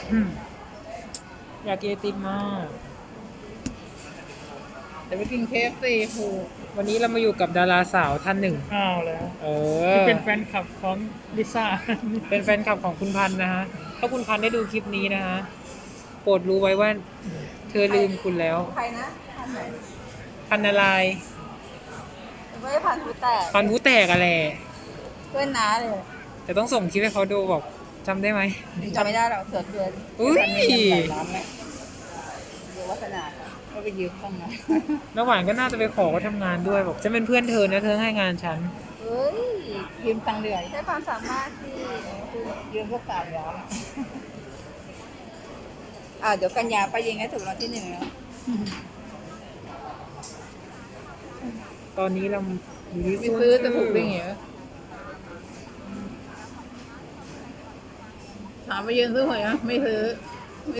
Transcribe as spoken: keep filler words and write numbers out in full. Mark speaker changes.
Speaker 1: อยากกินไอติมมาก
Speaker 2: แต่ไปกินเคฟซีฟู
Speaker 1: วันนี้เรามาอยู่กับดาราสาวท่านหนึ่ง
Speaker 3: อ้าวแล้ว
Speaker 1: เอ
Speaker 3: ที่
Speaker 1: อ
Speaker 3: เป็นแฟนคลับของลิซ่า
Speaker 1: เป็นแฟนคลับของคุณพันธ์นะฮะ ถ้าคุณพันธ์ได้ดูคลิปนี้นะฮะ โปรดรู้ไว้ว่าเธอลืมคุณแล้ว
Speaker 2: ใครนะพันไหน
Speaker 1: พันอะไร
Speaker 2: ไม่ได้พันฟูแตก
Speaker 1: พันหูแตกอะไร
Speaker 2: เพื่อนน้าเลย
Speaker 1: แต่ต้องส่งคลิปให้เขาดูบอกจำได้ไหม
Speaker 2: จำไม่ได้หรอกเสือเกิน
Speaker 1: อุ้ย
Speaker 2: ร้านแหละเดี๋ยววัฒนาก็ไปยืมข้างใน
Speaker 1: น้ำหวานก็น่าจะไปขอเขาทำงานด้วยบอกจะเป็นเพื่อนเธอนะเธอให้งานฉัน
Speaker 2: เฮ้ยยืมตังค์เดือยใช้ความสามารถสิยืมพวกสามร้อยอ่าเดี๋ยวกันยาไปยิงให้ถูกรางวัลที่หนึ่งแล้ว
Speaker 1: ตอนนี้เราอยู่ที่
Speaker 2: ไม่ซื้อจะถูกได้ไงวะถามไปยืนซื้อหวยอ่ะไม่ซื้อ